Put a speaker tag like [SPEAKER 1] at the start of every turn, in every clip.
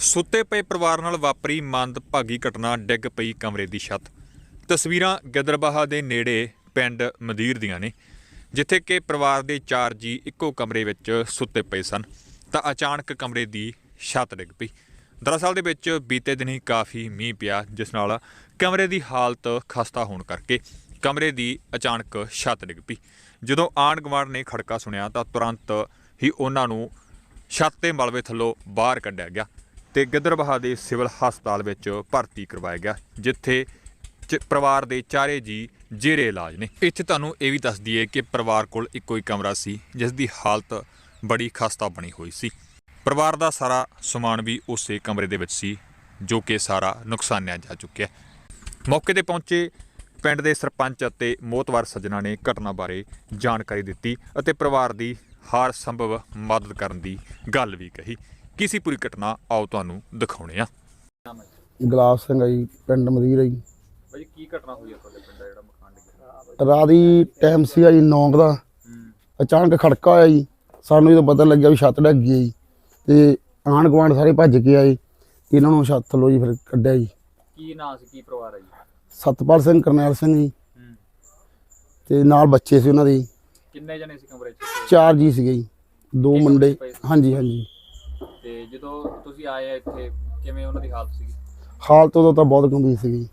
[SPEAKER 1] ਸੁੱਤੇ ਪਏ ਪਰਿਵਾਰ ਨਾਲ ਵਾਪਰੀ ਮੰਦਭਾਗੀ ਘਟਨਾ, ਡਿੱਗ ਪਈ ਕਮਰੇ ਦੀ ਛੱਤ। ਤਸਵੀਰਾਂ ਗਿੱਦੜਬਾਹਾ ਦੇ ਨੇੜੇ ਪਿੰਡ ਮਦੀਰ ਦੀਆਂ ਨੇ, ਜਿੱਥੇ ਕਿ ਪਰਿਵਾਰ ਦੇ 4 ਜੀ ਇੱਕੋ ਕਮਰੇ ਵਿੱਚ ਸੁੱਤੇ ਪਏ ਸਨ ਤਾਂ ਅਚਾਨਕ ਕਮਰੇ ਦੀ ਛੱਤ ਡਿੱਗ ਪਈ। ਦਰਅਸਲ ਦੇ ਵਿੱਚ ਬੀਤੇ ਦਿਨ ਹੀ ਕਾਫੀ ਮੀਂਹ ਪਿਆ, ਜਿਸ ਨਾਲ ਕਮਰੇ ਦੀ ਹਾਲਤ ਖਸਤਾ ਹੋਣ ਕਰਕੇ ਕਮਰੇ ਦੀ ਅਚਾਨਕ ਛੱਤ ਡਿੱਗ ਪਈ। ਜਦੋਂ ਆਂਢ ਗੁਆਂਢ ਨੇ ਖੜਕਾ ਸੁਣਿਆ ਤਾਂ ਤੁਰੰਤ ਹੀ ਉਹਨਾਂ ਨੂੰ ਛੱਤ ਤੇ ਮਲਬੇ ਥੱਲੋਂ ਬਾਹਰ ਕੱਢਿਆ ਗਿਆ ਤੇ ਗਿੱਦੜਬਾਹਾ ਦੇ ਸਿਵਲ ਹਸਪਤਾਲ ਵਿੱਚ ਭਰਤੀ ਕਰਵਾਇਆ ਗਿਆ, ਜਿੱਥੇ ਪਰਿਵਾਰ ਦੇ 4 ਜੀ ਜੇਰੇ ਇਲਾਜ ਨੇ। ਇੱਥੇ ਤੁਹਾਨੂੰ ਇਹ ਵੀ ਦੱਸ ਦਈਏ ਕਿ ਪਰਿਵਾਰ ਕੋਲ ਇੱਕੋ ਹੀ ਕਮਰਾ ਸੀ, ਜਿਸ ਦੀ ਹਾਲਤ ਬੜੀ ਖਸਤਾ ਬਣੀ ਹੋਈ ਸੀ। ਪਰਿਵਾਰ ਦਾ ਸਾਰਾ ਸਮਾਨ ਵੀ ਉਸੇ ਕਮਰੇ ਦੇ ਵਿੱਚ ਸੀ, ਜੋ ਕਿ ਸਾਰਾ ਨੁਕਸਾਨਿਆ ਜਾ ਚੁੱਕਿਆ। ਮੌਕੇ ਤੇ ਪਹੁੰਚੇ ਪਿੰਡ ਦੇ ਸਰਪੰਚ ਅਤੇ ਮੋਹਤਵਾਰ ਸੱਜਣਾ ਨੇ ਘਟਨਾ ਬਾਰੇ ਜਾਣਕਾਰੀ ਦਿੱਤੀ ਅਤੇ ਪਰਿਵਾਰ ਦੀ ਹਰ ਸੰਭਵ ਮਦਦ ਕਰਨ ਦੀ ਗੱਲ ਵੀ ਕਹੀ। ਕੀ ਸੀ ਪੂਰੀ ਘਟਨਾ, ਆਓ ਤੁਹਾਨੂੰ ਦਿਖਾਉਣੇ ਆ।
[SPEAKER 2] ਗੁਲਾਬ ਸਿੰਘ ਆ ਜੀ, ਪਿੰਡ ਮਦੀਰ ਆ ਜੀ।
[SPEAKER 1] ਭਾਜੀ ਕੀ ਘਟਨਾ ਹੋਈ ਆ ਤੁਹਾਡੇ ਪਿੰਡ ਦਾ ਜਿਹੜਾ ਮਕਾਨ ਡਿੱਗਿਆ?
[SPEAKER 2] ਰਾਤ ਦੀ ਟਾਈਮ ਸੀਗਾ ਜੀ 9 ਦਾ। ਅਚਾਨਕ ਖੜਕਾ ਹੋਇਆ ਜੀ, ਸਾਨੂੰ ਜਦੋਂ ਪਤਾ ਲੱਗਿਆ ਵੀ ਛੱਤ ਡਿੱਗ ਗਈ ਜੀ, ਤੇ ਆਂਢ ਗੁਆਂਢ ਸਾਰੇ ਭੱਜ ਕੇ ਆਏ, ਇਹਨਾਂ ਨੂੰ ਛੱਤ ਥੱਲੋਂ ਜੀ ਫਿਰ ਕੱਢਿਆ ਜੀ।
[SPEAKER 1] ਕੀ ਨਾਂ ਸੀ, ਕੀ ਪਰਿਵਾਰ ਆ ਜੀ?
[SPEAKER 2] ਸਤਪਾਲ ਸਿੰਘ, ਕਰਨੈਲ ਸਿੰਘ ਜੀ, ਤੇ ਨਾਲ ਬੱਚੇ ਸੀ ਉਹਨਾਂ ਦੇ।
[SPEAKER 1] ਕਿੰਨੇ ਜਣੇ ਸੀ ਕਮਰੇ 'ਚ?
[SPEAKER 2] 4 ਜੀ ਸੀਗੇ ਜੀ, 2 ਮੁੰਡੇ। ਹਾਂਜੀ ਹਾਂਜੀ।
[SPEAKER 1] ਤੇ ਜਦੋਂ ਤੁਸੀਂ ਆਏ ਆ ਇੱਥੇ, ਕਿਵੇਂ ਉਹਨਾਂ ਦੀ ਹਾਲਤ ਸੀ?
[SPEAKER 2] ਹਾਲਤ ਉਦੋਂ ਤਾਂ ਬਹੁਤ ਗੰਭੀਰ ਸੀਗੀ।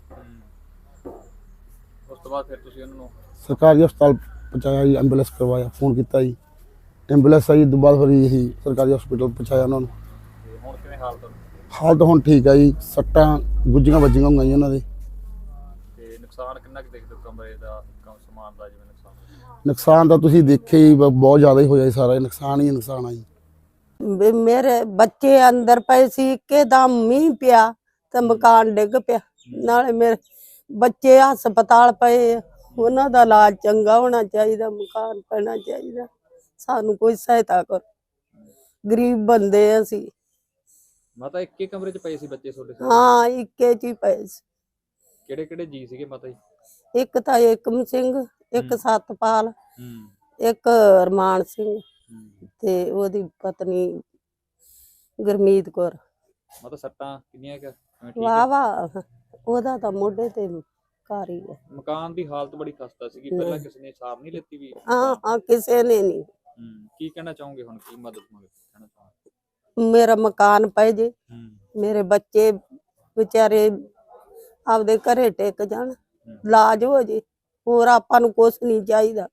[SPEAKER 1] ਉਸ ਤੋਂ ਬਾਅਦ ਫਿਰ ਤੁਸੀਂ ਉਹਨਾਂ ਨੂੰ
[SPEAKER 2] ਸਰਕਾਰੀ ਹਸਪਤਾਲ ਪਹੁੰਚਾਇਆ ਜੀ, ਐਂਬੂਲੈਂਸ ਕਰਵਾਇਆ, ਫੋਨ ਕੀਤਾ ਜੀ, ਐਂਬੂਲੈਂਸ ਆਈ। ਦੁਬਾਰਾ ਫਿਰ ਇਹੀ ਸਰਕਾਰੀ ਹਸਪਤਾਲ ਪਹੁੰਚਾਇਆ ਉਹਨਾਂ ਨੂੰ।
[SPEAKER 1] ਹੁਣ ਕਿਵੇਂ ਹਾਲਤ?
[SPEAKER 2] ਹਾਲਤ ਹੁਣ ਠੀਕ ਆ ਜੀ, ਸੱਟਾਂ ਗੁੱਜੀਆਂ ਵੱਜੀਆਂ ਹੋਈਆਂ ਜੀ ਉਹਨਾਂ ਦੇ।
[SPEAKER 1] ਤੇ ਨੁਕਸਾਨ ਕਿੰਨਾ ਕੁ ਦੇਖਦੇ ਹੋ ਕਮਰੇ ਦਾ, ਸਮਾਨ ਦਾ? ਜਿਵੇਂ
[SPEAKER 2] ਨੁਕਸਾਨ ਤਾਂ ਤੁਸੀਂ ਦੇਖਿਆ ਹੀ, ਬਹੁਤ ਜ਼ਿਆਦਾ ਹੀ ਹੋਇਆ ਜੀ, ਸਾਰਾ ਨੁਕਸਾਨ ਹੀ ਨੁਕਸਾਨ ਆ ਜੀ।
[SPEAKER 3] ਮੇਰੇ ਬੱਚੇ ਅੰਦਰ ਪਏ ਸੀ, ਇੱਕਦਮ ਮੀਂਹ ਪਿਆ ਤੇ ਮਕਾਨ ਡਿੱਗ ਪਿਆ। ਨਾਲੇ ਮੇਰੇ ਬੱਚੇ ਹਸਪਤਾਲ ਪਏ, ਉਹਨਾਂ ਦਾ ਇਲਾਜ ਚੰਗਾ ਹੋਣਾ ਚਾਹੀਦਾ, ਮਕਾਨ ਪੈਣਾ ਚਾਹੀਦਾ। ਸਾਨੂੰ ਕੋਈ ਸਹਾਇਤਾ ਕਰੋ, ਗਰੀਬ ਬੰਦੇ ਅਸੀਂ।
[SPEAKER 1] ਮਾਤਾ ਇੱਕੇ ਕਮਰੇ 'ਚ ਪਏ ਸੀ ਬੱਚੇ ਤੁਹਾਡੇ?
[SPEAKER 3] ਹਾਂ, ਇੱਕੇ 'ਚ ਹੀ ਪਏ ਸੀ।
[SPEAKER 1] ਕਿਹੜੇ ਕਿਹੜੇ ਜੀ ਸੀਗੇ ਮਾਤਾ ਜੀ?
[SPEAKER 3] ਇੱਕ ਤਾਂ ਏਕਮ ਸਿੰਘ, ਇੱਕ ਸਤਪਾਲ, ਇੱਕ ਰਮਾਨ ਸਿੰਘ ਤੇ ਉਹਦੀ ਪਤਨੀ ਗੁਰਮੀਤ ਕੌਰ।
[SPEAKER 1] ਮਾਤਾ ਸੱਟਾਂ ਕਿੰਨੀਆਂ ਕੁ?
[SPEAKER 3] ਵਾਹ ਵਾਹ, ਉਹਦਾ ਤਾਂ ਮੋਢੇ ਤੇ ਘਰ ਹੀ ਹੈ।
[SPEAKER 1] ਮਕਾਨ ਦੀ ਹਾਲਤ ਬੜੀ ਖਸਤਾ ਸੀਗੀ, ਪਹਿਲਾਂ ਕਿਸੇ ਨੇ ਸਾਰ ਨਹੀਂ ਲੈਤੀ ਵੀ?
[SPEAKER 3] ਹਾਂ, ਕਿਸੇ ਨੇ ਨਹੀਂ।
[SPEAKER 1] ਕੀ ਕਹਿਣਾ ਚਾਹੋਗੇ ਹੁਣ, ਕੀ ਮਦਦ ਕਹਿਣਾ ਚਾਹੋਗੇ?
[SPEAKER 3] ਮੇਰਾ ਮਕਾਨ ਪੈ ਜੇ, ਮੇਰੇ ਬੱਚੇ ਵਿਚਾਰੇ ਆਪਦੇ ਘਰੇ ਟਿਕ ਜਾਣ, ਇਲਾਜ ਹੋ ਜੇ, ਹੋਰ ਆਪਾਂ ਨੂੰ ਕੁਛ ਨਹੀਂ ਚਾਹੀਦਾ।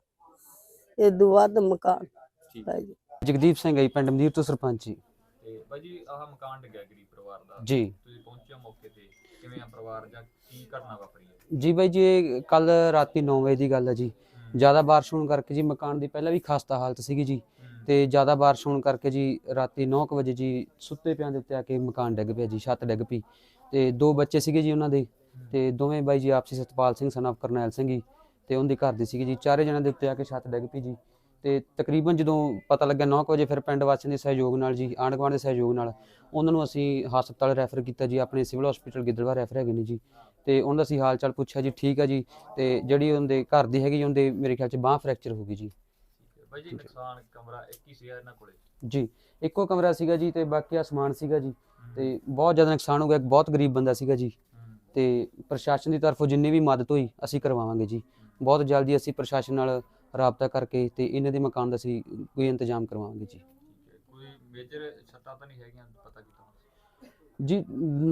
[SPEAKER 3] ਇਦੋਂ ਵੱਧ ਮਕਾਨ ਪੈ ਜੇ।
[SPEAKER 4] ਜਗਦੀਪ ਸਿੰਘ ਹੈ ਪਿੰਡ ਮਦੀਰ ਤੋਂ ਸਰਪੰਚ ਜੀ।
[SPEAKER 1] ਤੇ ਬਾਈ ਜੀ, ਆਹ ਮਕਾਨ ਡਿੱਗਿਆ ਗਰੀਬ ਪਰਿਵਾਰ ਦਾ
[SPEAKER 4] ਜੀ,
[SPEAKER 1] ਤੁਸੀਂ ਪਹੁੰਚੇ ਮੌਕੇ ਤੇ, ਕਿਵੇਂ ਆ ਪਰਿਵਾਰ ਜਾਂ ਕੀ ਘਟਨਾ ਵਾਪਰੀ ਹੈ?
[SPEAKER 4] ਜੀ ਬਾਈ ਜੀ, ਇਹ ਕੱਲ ਰਾਤੀ 9 ਵਜੇ ਦੀ ਗੱਲ ਹੈ ਜੀ। ਜ਼ਿਆਦਾ ਬਾਰਿਸ਼ ਹੋਣ ਕਰਕੇ ਜੀ ਮਕਾਨ ਦੀ ਪਹਿਲਾਂ ਵੀ ਖਸਤਾ ਹਾਲਤ ਸੀਗੀ ਜੀ, ਤੇ ਜ਼ਿਆਦਾ ਬਾਰਿਸ਼ ਹੋਣ ਕਰਕੇ ਜੀ ਰਾਤੀ 9 ਵਜੇ ਜੀ ਸੁੱਤੇ ਪਿਆਂ ਦੇ ਉੱਤੇ ਆ ਕੇ ਮਕਾਨ ਡਿੱਗ ਪਿਆ ਜੀ, ਛੱਤ ਡਿੱਗ ਪਈ। ਤੇ 2 ਬੱਚੇ ਸੀਗੇ ਜੀ ਉਹਨਾਂ ਦੇ, ਤੇ ਦੋਵੇਂ ਬਾਈ ਜੀ ਆਪਸੀ ਸਤਪਾਲ ਸਿੰਘ ਸਨ ਆਫ ਕਰਨੈਲ ਸਿੰਘ ਜੀ, ਤੇ ਉਹਦੀ ਘਰ ਦੀ ਸੀਗੀ ਜੀ। 4 ਜਣਿਆਂ ਦੇ ਉੱਤੇ ਆ ਕੇ ਛੱਤ ਡਿੱਗ ਪਈ ਜੀ। ਤੇ ਤਕਰੀਬਨ ਜਦੋਂ ਪਤਾ ਲੱਗਿਆ 9 ਵਜੇ, ਫਿਰ ਪਿੰਡ ਵਾਸੀਆਂ ਦੇ ਸਹਿਯੋਗ ਨਾਲ ਜੀ, ਆਂਢ ਗੁਆਂਢ ਦੇ ਸਹਿਯੋਗ ਨਾਲ ਉਹਨਾਂ ਨੂੰ ਅਸੀਂ ਹਸਪਤਾਲ ਰੈਫਰ ਕੀਤਾ ਜੀ, ਆਪਣੇ ਸਿਵਲ ਹਸਪੀਟਲ ਗਿੱਦੜਬਾਹਾ ਰੈਫਰ ਹੈਗੇ ਨੇ ਜੀ। ਤੇ ਉਹਨਾਂ ਦਾ ਅਸੀਂ ਹਾਲ ਚਾਲ ਪੁੱਛਿਆ ਜੀ, ਠੀਕ ਆ ਜੀ। ਤੇ ਜਿਹੜੀ ਉਹਦੇ ਘਰ ਦੀ ਹੈਗੀ, ਉਹਦੇ ਮੇਰੇ ਖਿਆਲ 'ਚ ਬਾਂਹ ਫ੍ਰੈਕਚਰ ਹੋ ਗਈ ਜੀ।
[SPEAKER 1] ਬਾਈ ਜੀ, ਨੁਕਸਾਨ ਕਮਰਾ ਇੱਕ ਹੀ ਸੀਗਾ ਇਹਨਾਂ ਕੋਲੇ?
[SPEAKER 4] ਜੀ, ਇੱਕੋ ਕਮਰਾ ਸੀਗਾ ਜੀ, ਤੇ ਬਾਕੀ ਆ ਸਮਾਨ ਸੀਗਾ ਜੀ, ਤੇ ਬਹੁਤ ਜ਼ਿਆਦਾ ਨੁਕਸਾਨ ਹੋ ਗਿਆ। ਬਹੁਤ ਗਰੀਬ ਬੰਦਾ ਸੀਗਾ ਜੀ, ਤੇ ਪ੍ਰਸ਼ਾਸਨ ਦੀ ਤਰਫੋਂ ਜਿੰਨੀ ਵੀ ਮਦਦ ਹੋਈ ਅਸੀਂ ਕਰਵਾਵਾਂਗੇ ਜੀ। ਬਹੁਤ ਜਲਦੀ ਅਸੀਂ ਪ੍ਰਸ਼ਾਸਨ ਨਾਲ ਰਾਬਤਾ ਕਰਕੇ ਤੇ ਇਹਨਾਂ ਦੇ ਮਕਾਨ ਦਾ ਅਸੀਂ ਕੋਈ ਇੰਤਜ਼ਾਮ ਕਰਵਾਵਾਂਗੇ ਜੀ।
[SPEAKER 1] ਕੋਈ ਮੇਜਰ ਸੱਟਾਂ ਤਾਂ ਨਹੀਂ ਹੈਗੀਆਂ ਪਤਾ ਕੀਤਾ
[SPEAKER 4] ਜੀ?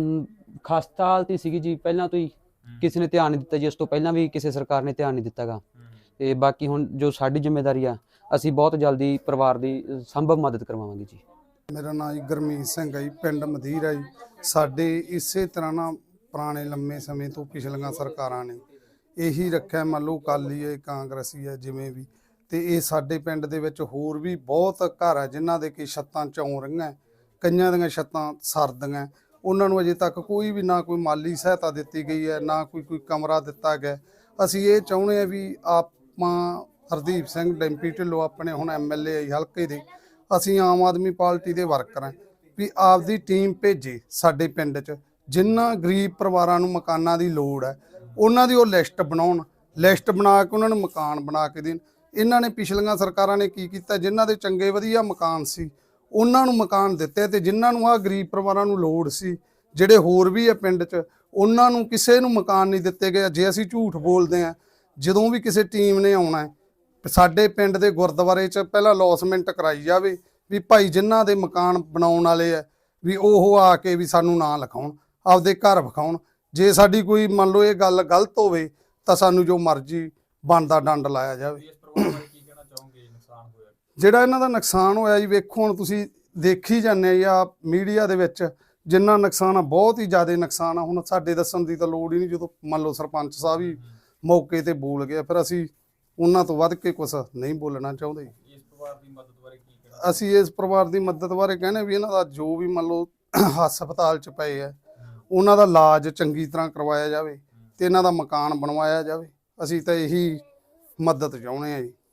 [SPEAKER 4] ਖਸਤਾ ਹਾਲਤ ਹੀ ਸੀਗੀ ਜੀ, ਪਹਿਲਾਂ ਤੋਂ ਹੀ ਕਿਸੇ ਨੇ ਧਿਆਨ ਨਹੀਂ ਦਿੱਤਾ ਜੀ, ਉਸ ਤੋਂ ਪਹਿਲਾਂ ਵੀ ਕਿਸੇ ਸਰਕਾਰ ਨੇ ਧਿਆਨ ਨਹੀਂ ਦਿੱਤਾਗਾ। ਤੇ ਬਾਕੀ ਹੁਣ ਜੋ ਸਾਡੀ ਜ਼ਿੰਮੇਵਾਰੀ ਆ, ਅਸੀਂ ਬਹੁਤ ਜਲਦੀ ਪਰਿਵਾਰ ਦੀ ਸੰਭਵ ਮਦਦ ਕਰਵਾਵਾਂਗੇ ਜੀ।
[SPEAKER 2] ਮੇਰਾ ਨਾਮ ਜੀ ਗੁਰਮੀਤ ਸਿੰਘ ਹੈ ਜੀ, ਪਿੰਡ ਮਦੀਰ ਹੈ ਜੀ। ਸਾਡੇ ਇਸੇ ਤਰ੍ਹਾਂ ਨਾ ਪੁਰਾਣੇ ਲੰਮੇ ਸਮੇਂ ਤੋਂ ਪਿਛਲੀਆਂ ਸਰਕਾਰਾਂ ਨੇ ਇਹੀ ਰੱਖਿਆ, ਮੰਨ ਲਓ ਅਕਾਲੀ ਹੈ, ਕਾਂਗਰਸੀ ਹੈ, ਜਿਵੇਂ ਵੀ। ਤੇ ਇਹ ਸਾਡੇ ਪਿੰਡ ਦੇ ਵਿੱਚ ਹੋਰ ਵੀ ਬਹੁਤ ਘਰ ਹੈ ਜਿਨ੍ਹਾਂ ਦੇ ਕਿ ਛੱਤਾਂ ਚੌਂ ਰਹੀਆਂ, ਕਈਆਂ ਦੀਆਂ ਛੱਤਾਂ ਸਰਦੀਆਂ। ਉਹਨਾਂ ਨੂੰ ਅਜੇ ਤੱਕ ਕੋਈ ਵੀ ਨਾ ਕੋਈ ਮਾਲੀ ਸਹਾਇਤਾ ਦਿੱਤੀ ਗਈ ਹੈ, ਨਾ ਕੋਈ ਕਮਰਾ ਦਿੱਤਾ ਗਿਆ। ਅਸੀਂ ਇਹ ਚਾਹੁੰਦੇ ਹਾਂ ਵੀ ਆਪਾਂ ਹਰਦੀਪ ਸਿੰਘ ਡੈਂਪੀ ਢਿੱਲੋਂ ਆਪਣੇ ਹੁਣ MLA ਹਲਕੇ ਦੇ, ਅਸੀਂ ਆਮ ਆਦਮੀ ਪਾਰਟੀ ਦੇ ਵਰਕਰ ਹਾਂ, ਵੀ ਆਪਦੀ ਟੀਮ ਭੇਜੇ ਸਾਡੇ ਪਿੰਡ 'ਚ। ਜਿਨ੍ਹਾਂ ਗਰੀਬ ਪਰਿਵਾਰਾਂ ਨੂੰ ਮਕਾਨਾਂ ਦੀ ਲੋੜ ਹੈ, ਉਹਨਾਂ ਦੀ ਉਹ ਲਿਸਟ ਬਣਾਉਣ, ਲਿਸਟ ਬਣਾ ਕੇ ਉਹਨਾਂ ਨੂੰ ਮਕਾਨ ਬਣਾ ਕੇ ਦੇਣ। ਇਹਨਾਂ ਨੇ ਪਿਛਲੀਆਂ ਸਰਕਾਰਾਂ ਨੇ ਕੀ ਕੀਤਾ, ਜਿਨ੍ਹਾਂ ਦੇ ਚੰਗੇ ਵਧੀਆ ਮਕਾਨ ਸੀ ਉਹਨਾਂ ਨੂੰ ਮਕਾਨ ਦਿੱਤੇ, ਤੇ ਜਿਨ੍ਹਾਂ ਨੂੰ ਆ ਗਰੀਬ ਪਰਿਵਾਰਾਂ ਨੂੰ ਲੋੜ ਸੀ, ਜਿਹੜੇ ਹੋਰ ਵੀ ਆ ਪਿੰਡ 'ਚ, ਉਹਨਾਂ ਨੂੰ ਕਿਸੇ ਨੂੰ ਮਕਾਨ ਨਹੀਂ ਦਿੱਤੇ ਗਏ। ਜੇ ਅਸੀਂ ਝੂਠ ਬੋਲਦੇ ਆ, ਜਦੋਂ ਵੀ ਕਿਸੇ ਟੀਮ ਨੇ ਆਉਣਾ ਹੈ, ਸਾਡੇ ਪਿੰਡ ਦੇ ਗੁਰਦੁਆਰੇ 'ਚ ਪਹਿਲਾਂ ਅਲੌਸਮੈਂਟ ਕਰਾਈ ਜਾਵੇ ਵੀ ਭਾਈ ਜਿਨ੍ਹਾਂ ਦੇ ਮਕਾਨ ਬਣਾਉਣ ਵਾਲੇ ਆ ਵੀ ਉਹ ਆ ਕੇ ਵੀ ਸਾਨੂੰ ਨਾਂ ਲਿਖਾਉਣ, ਆਪਦੇ ਘਰ ਵਿਖਾਉਣ। ਜੇ ਸਾਡੀ ਕੋਈ ਮੰਨ ਲਓ ਇਹ ਗੱਲ ਗਲਤ ਹੋਵੇ ਤਾਂ ਸਾਨੂੰ ਜੋ ਮਰਜ਼ੀ ਬਣਦਾ ਡੰਡ ਲਾਇਆ ਜਾਵੇ। ਜਿਹੜਾ ਇਹਨਾਂ ਦਾ ਨੁਕਸਾਨ ਹੋਇਆ ਜੀ, ਵੇਖੋ ਹੁਣ ਤੁਸੀਂ ਦੇਖੀ ਜਾਂਦੇ ਆ ਮੀਡੀਆ ਦੇ ਵਿੱਚ, ਜਿੰਨਾ ਨੁਕਸਾਨ ਆ ਬਹੁਤ ਹੀ ਜ਼ਿਆਦਾ ਨੁਕਸਾਨ ਆ। ਹੁਣ ਸਾਡੇ ਦੱਸਣ ਦੀ ਤਾਂ ਲੋੜ ਹੀ ਨਹੀਂ, ਜਦੋਂ ਮੰਨ ਲਓ ਸਰਪੰਚ ਸਾਹਿਬ ਹੀ ਮੌਕੇ ਤੇ ਬੋਲ ਗਿਆ, ਫਿਰ ਅਸੀਂ ਉਹਨਾਂ ਤੋਂ ਵੱਧ ਕੇ ਕੁਝ ਨਹੀਂ ਬੋਲਣਾ ਚਾਹੁੰਦੇ।
[SPEAKER 1] ਇਸ ਪਰਿਵਾਰ ਦੀ ਮਦਦ ਬਾਰੇ ਕੀ ਕਹਿਣਾ?
[SPEAKER 2] ਅਸੀਂ ਇਸ ਪਰਿਵਾਰ ਦੀ ਮਦਦ ਬਾਰੇ ਕਹਿੰਦੇ ਵੀ ਇਹਨਾਂ ਦਾ ਜੋ ਵੀ ਮੰਨ ਲਓ ਹਸਪਤਾਲ 'ਚ ਪਏ ਆ, ਉਹਨਾਂ ਦਾ ਇਲਾਜ ਚੰਗੀ ਤਰ੍ਹਾਂ ਕਰਵਾਇਆ ਜਾਵੇ ਤੇ ਇਹਨਾਂ ਦਾ ਮਕਾਨ ਬਣਵਾਇਆ ਜਾਵੇ। ਅਸੀਂ ਤਾਂ ਇਹੀ ਮਦਦ ਚਾਹੁੰਦੇ ਆ ਜੀ।